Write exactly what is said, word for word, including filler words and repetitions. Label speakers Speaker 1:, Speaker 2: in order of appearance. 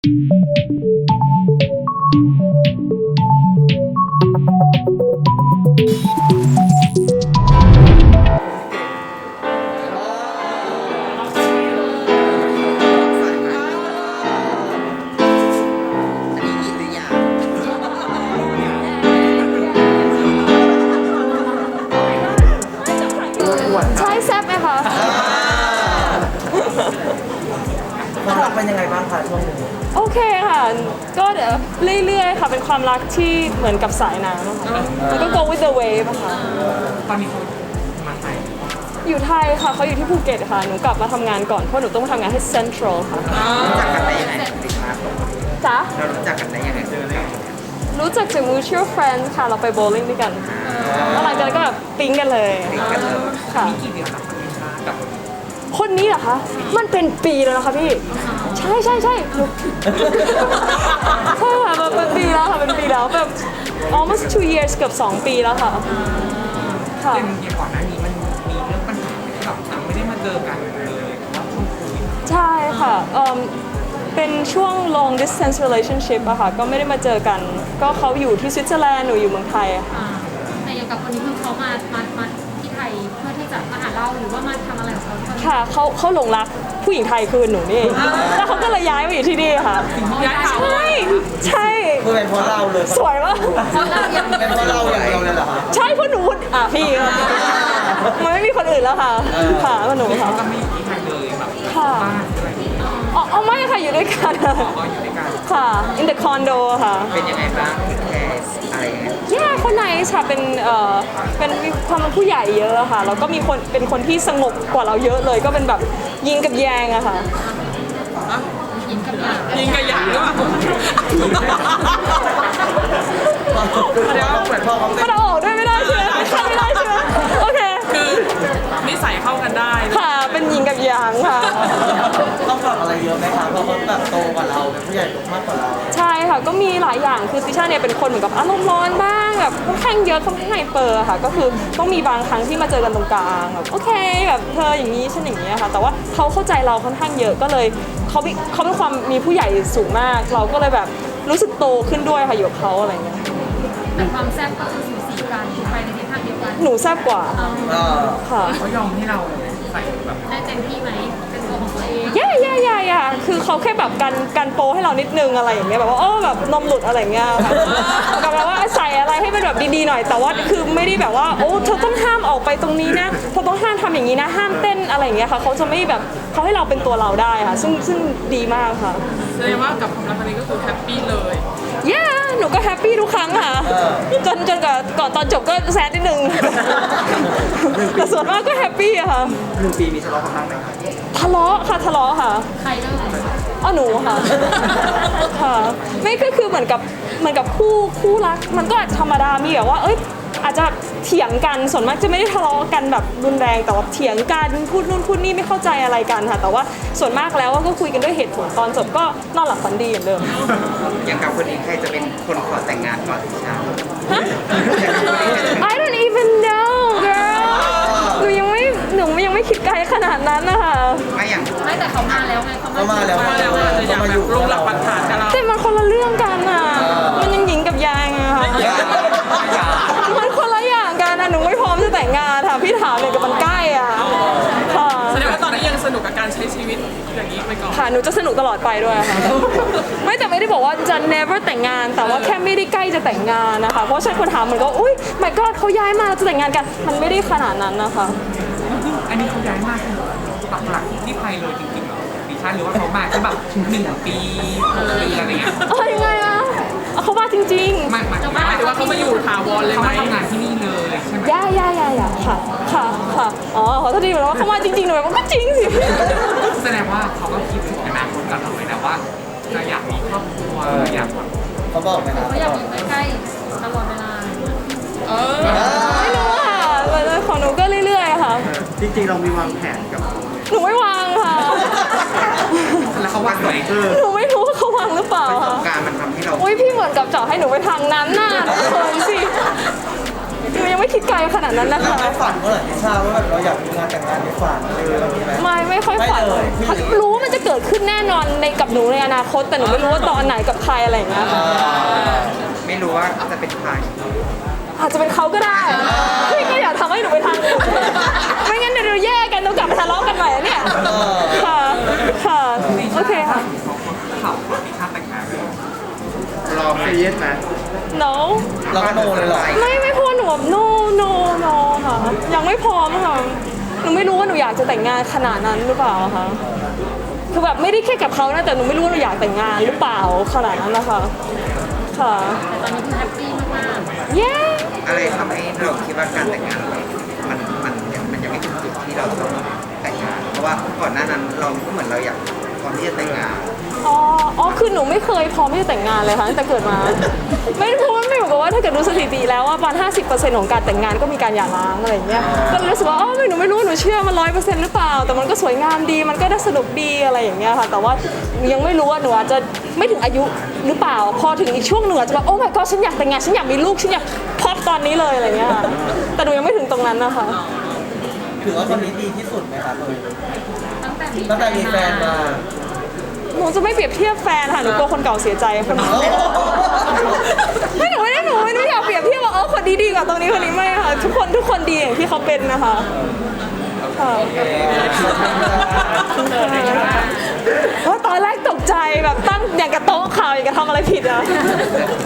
Speaker 1: ใช่แซ่บไหมคะ
Speaker 2: ความรักเป็นยังไงบ้างคะช่วงนี้
Speaker 1: โอเคค่ะ ก็เดี๋ยวเรื่อยๆค่ะเป็นความรักที่เหมือนกับสายน้ำอะค่ะมันก็ go with the wave อะค่ะ
Speaker 3: ตอนนี้เขามาไทย
Speaker 1: อยู่ไทยค่ะเขาอยู่ที่ภูเก็ตค่ะหนูกลับมาทำงานก่อนเพราะหนูต้องมาทำงานที่ Central ค่ะ
Speaker 2: รู้จักกันได้ยังไงติดมาตรง
Speaker 1: จ๊ะ
Speaker 2: เรารู้จักกันได้ยังไงเจอได้ยังไง
Speaker 1: รู้จักจาก mutual friends ค่ะเราไปโบว์ลิ่งด้วยกันแล้วหลังจากนั้นก็แบบปิ๊งกันเลยค่ะ
Speaker 3: มีกี่เดือนแล้วคะพี่ชากับ
Speaker 1: คนนี้เหรอคะมันเป็นปีแล้วนะคะพี่ใช่ใช่ใช่หนูใช่ค่ะมันเป็นปีแล้วค่ะเป็นปีแล้วแบบ almost two years เกือบสองปีแล้วค่ะค่ะ
Speaker 3: เดือนเดียวก่อนหน้านี้มันมีเรื่องปัญหาที่แบบเราไม่ได้มาเจอกันเลยว่าช่วงโควิด
Speaker 1: ใช่ค่ะเอิ่มเป็นช่วง long distance relationship อะค่ะก็ไม่ได้มาเจอกัน ก็เขาอยู่ที่สวิตเซอร์แลนด์หนูอยู่เมืองไทยอะค่ะ
Speaker 4: อ่าแต่อย่างกับคนนี้คือเขามา มา มาที่ไทยเพื่อที่จะมาหาเราหรือว่ามาทำอะไรของเขาที่
Speaker 1: ค่ะเขาเขาหลงรักผู้หญิงไทยคือหนูนี่เองแล้วเขาก็เลยย้ายมาอยู่ที่นี่ค่ะ
Speaker 3: ย้ายเขา
Speaker 1: ใช่ใช่
Speaker 2: คือเป็นเพราะเราเลย
Speaker 1: สวยมาก
Speaker 2: เป็นเพราะเราอย่างเดียวเลยเหรอคะ
Speaker 1: ใช่เพราะหนูอ่ะพี่มันไม่มีคนอื่นแล้วค่ะค่ะเพราะหนูค่ะ
Speaker 3: เขาก็ไม่อยู่ที่ไทยเลยแบบ
Speaker 1: ค่ะ
Speaker 3: บ้านอะไรอย่างเงี้ย
Speaker 1: อ๋อเอาไม่ค่ะอยู่ด้วยกัน
Speaker 3: ก็อยู่ด้วยกัน
Speaker 1: ค่ะ in the condo ค่ะ
Speaker 2: เป็นยังไงบ้างแคสอะไรอย่างเงี้ย
Speaker 1: แย่คนไหนค่ะเป็นเอ่อเป็นมีความเป็นผู้ใหญ่เยอะค่ะแล้วก็มีคนเป็นคนที่สงบกว่าเราเยอะเลยก็เป็นแบบยิงกับแยงอะค่ะ
Speaker 4: ยินกับยา
Speaker 3: ยิงกระหยางหรือเปล่า
Speaker 2: เดี๋ยวเหมือนพ่อเขา
Speaker 1: มันเอาออกด้วยไม่ได้ใช่ไหมไม่ได้ใช่ไหมโอเค
Speaker 3: คือนิสัยเข้ากันได้
Speaker 1: ค่ะเป็นยิงกับยางค่ะ
Speaker 2: ต้องปรับอะไรเยอะไหมคะเพราะเขาแบบโตกว่าเราเป็นผู้ใหญ่มากกว่าเรา
Speaker 1: ใช่ค่ะก็มีหลายอย่างคือติช่าเนี่ยเป็นคนเหมือนกับอารมณ์ร้อนบ้างแบบค่อนข้างเยอะค่อนข้างไฮเปอร์ค่ะก็คือต้องมีบางครั้งที่มาเจอกันตรงกลางแบบโอเคแบบเธออย่างนี้ฉันอย่างนี้ค่ะแต่ว่าเขาเข้าใจเราค่อนข้างเยอะก็เลยเขามีเขาเป็นความมีผู้ใหญ่สูงมาก เราก็เลยแบบรู้สึกโตขึ้นด้วยค่ะอยู่กับเขาอะไรเงี้ย
Speaker 4: แต่ความแซ่บก็คือสูสีกันไปในทิศทางเดียวกัน
Speaker 1: หนูแซ่บกว่า
Speaker 4: เอา
Speaker 2: เออ
Speaker 1: ค่ะ
Speaker 3: เขายอมให้เราใส่แบบ
Speaker 4: ได้เต็มที่ไหมเป็นตัวของตัวเอง
Speaker 1: ย่าย่าย่าย่าคือเขาแค่แบบกันกันโปให้เรานิดนึงอะไรอย่างเงี้ยแบบว่าโอ้แบบนมหลุดอะไรอย่างเงี้ยค่ะกับแบบว่าใส่อะไรให้มันแบบดีๆหน่อยแต่ว่าคือไม่ได้แบบว่าโอ้เธอต้องห้ามออกไปตรงนี้นะเธอต้องห้ามทำอย่างนี้นะห้ามเต้นอะไรอย่างเงี้ยค่ะเขาจะไม่แบบเขาให้เราเป็นตัวเราได้ค่ะซึ่งซึ่งดีมากค่ะ
Speaker 3: แสดงว่ากับความรักครั้งนี้ก็คือแฮปปี้เลย
Speaker 1: ย่าหนูก็แฮปปี้ทุกครั้งค่ะจนจนกับก่อนตอนจบก็แซดนิดนึงแต่ส่วนมากก็แฮปปี้อะค่ะ
Speaker 2: หนึ่งปีมีทะเลาะกันบ้างไหมคะ
Speaker 1: ทะเลาะค่ะทะเลาะค่ะ
Speaker 4: ใครเริ่ม
Speaker 1: อ๋อหนูค่ะ ค่ะ ไม่ก็คือเหมือนกับเหมือนกับคู่คู่รัก มันก็อาจจะธรรมดา มีแบบว่า เอ้ย อาจจะเถียงกัน ส่วนมากจะไม่ได้ทะเลาะกันแบบรุนแรง แต่ว่าเถียงกัน พูดนู่นพูดนี่ไม่เข้าใจอะไรกันค่ะ แต่ว่าส่วนมากแล้วก็คุยกันด้วยเหตุผล ตอนจบก็นอนหลับฝันดีเหมือนเดิม
Speaker 2: อย่างกับคนนี้ใครจะเป็นคนขอแต่งงานก่อนที่ชา
Speaker 1: ฮะ I don't even know girl หนูยังไม่ หนูยังไม่คิดไกลขนาดนั้นนะคะ
Speaker 2: ไม่อย่าง
Speaker 4: ไม่แต่เขามาแล้วไงเขา
Speaker 2: เขามาแล้ว
Speaker 3: มาแล้วอาจจะอยากแบบลงหลักปักฐานกับเรา
Speaker 1: แต่มันคนละเรื่องกันอ่ะ มันยังหญิงกับยางอะค่ะ มันคนละอย่างกันนะหนูไม่พร้อมจะแต่งงานค่ะพี่ถามเลยกับมันใกล้อ่ะค่ะ
Speaker 3: แสดงว่าตอนนี้ยังสนุกกับการใช้ชีวิตอย่างนี้ไปก่อน
Speaker 1: ค่ะหนูจะสนุกตลอดไปด้วยค่ะ ไม่แต่ไม่ได้บอกว่าจะ never แต่งงาน แต่ว่าแค่ไม่ได้ใกล้จะแต่งงานนะคะ เพราะฉะนันคนถามเหมือนก็อุ้ย my god เขาย้ายมาเราจะแต่งงานกัน มันไม่ได้ขนาดนั้นนะคะ
Speaker 3: อันนี้เขาย้ายมากปักหลักที่ไทยเลยจริงๆเหรอดิฉันหรือว่าเขามาแค่แบบหนึ่งปีหกเดือนอะไรเงี้ย
Speaker 1: เอ้ยยังไงอะเอาเขามาจริง
Speaker 3: ไม่หมายหมายถึงว่าเขามาอยู่ถาวรเลยไหมเขามาทำงานที่นี่เลยใช่ไหม
Speaker 1: ๆย่าย่าย่าย่าค่ะ ค่ะ ค่ะ อ๋อขอโทษทีเหมือนว่าเขามาจริงๆหนูแบบว่าก็จริงสิ
Speaker 3: แสดงว่าเขาก็คิดถึงอนาคตกับเราเลยนะว่าจะอยากมีครอบครัวอยากแบบ
Speaker 2: เขาบอกไหมคะ
Speaker 4: เขาอยากอยู่ใกล้ๆตลอดเวลา
Speaker 3: เออ
Speaker 1: ไม่รู้ค่ะแต่ของหนูก็เรื่อยๆค่ะ
Speaker 2: จริงๆเรามีวางแผนกับ
Speaker 1: หนูไม่วางค่ะ
Speaker 3: แล้วเขาว่าไหน
Speaker 1: หนูไม่รู้ว่าเขาวางหรือเปล่า
Speaker 2: ประส
Speaker 1: ค่ะ
Speaker 2: บการณ์มันทำให้เรา
Speaker 1: อุ้ยพี่เหมือนกับเจาะให้หนูไปทางนั้นน่ะเขินสิหนูยังไม่คิดไกลขนาดนั้นนะ
Speaker 2: เรา
Speaker 1: คะ
Speaker 2: ไม่ฝันเมื่อไหร่ที่ทราบว่าแบบเราอยากมีงานแต่งงานในฝันอะไรแบบนี้ไหม
Speaker 1: ไม่ไม่ค่อยฝัน
Speaker 2: ไม่เลย
Speaker 1: รู้ว่ามันจะเกิดขึ้นแน่นอนในกับหนูในอนาคต แต่หนูไม่รู้ว่าตอนไหนกับใครอะไรอย่างเงี้ยค่ะ
Speaker 3: ไม่รู้ว่าจะเป็นใคร
Speaker 1: อาจจะเป็นเขาก็ได้พี่ก็อยากทำให้หนูไปทางนู้นไม่งั้นเดี๋ยวเราแยกกันต้องกลับมาทะเลาะกันใหม่อะเนี่ยค่ะค่ะโอเคค่ะ
Speaker 3: ข่าวมีค่าแต่งงาน
Speaker 5: รอเฟยสไหม
Speaker 1: no
Speaker 2: เราก็โนเลยเหรอ
Speaker 1: ไม่ไม่พูดหนูแบบ no no no ค่ะยังไม่พร้อมค่ะหนูไม่รู้ว่าหนูอยากจะแต่งงานขนาดนั้นหรือเปล่าคะคือแบบไม่ได้แค่กับเขานะแต่หนูไม่รู้ว่าหนูอยากแต่งงานหรือเปล่าขนาดนั้นนะคะค่ะ
Speaker 4: แต่ตอนนี้คือแฮปปี้มาก
Speaker 1: เย้
Speaker 6: อะไรทำให้เราคิดว่าการแต่งงานเรามันมันยังมันยังไม่ถึงจุดที่เราต้องแต่งงาน เพราะว่าก่อนหน้านั้นเราก็เหมือนเราอยากพร้อมที่จะแต่งงาน
Speaker 1: อ๋ออ๋อคือหนูไม่เคยพร้อมที่จะแต่งงานเลยค่ะตั้งแต่เกิดมา ไม่เพราะว่าไม่เหมือนกับว่าถ้าเกิดดูสถิติแล้วว่าประมาณห้าสิบเปอร์เซ็นต์ของการแต่งงานก็มีการหย่าร้างอะไรอย่างเงี้ยก็เลยรู้สึกว่าอ๋อไม่หนูไม่รู้หนูเชื่อมันร้อยเปอร์เซ็นต์หรือเปล่าแต่มันก็สวยงามดีมันก็ได้สนุกดีอะไรอย่างเงี้ยค่ะแต่ว่ายังไม่รู้ว่าหนูอาจจะไม่ถึงอายุหรือเปล่าพอถึงอีกช่วงหนึ่งอาจจะแบบโอ้ my god ฉันอยากแต่งงานฉันอยากมีลูกฉันอยากพอดตอนนี้เลยอะไรเงี้ยค่ะแต่หนูยังไม่ถึงตรงนั้นนะคะ
Speaker 2: ถือว่าคนนี้ดีที่สุดไหมครับ
Speaker 4: ๆ ตั้งแต่มี
Speaker 2: ตั้งแต่มีแฟนมา
Speaker 1: หนูจะไม่เปรียบเทียบแฟนค่ะหนูกลัวคนเก่าเสียใจคนนี้ไม่หนูไม่ได้หนูไม่ได้อยากเปรียบเทียบว่าเออคนนี้ดีกว่าตรงนี้คนนี้ไม่ค่ะทุกคนทุกคนดีอย่างที่เขาเป็นนะคะค่ะเพราะตอนแรกตกใจแบบตั้งอย่างกับโต๊ะข่าวอย่างกับทำอะไรผิดอ่ะ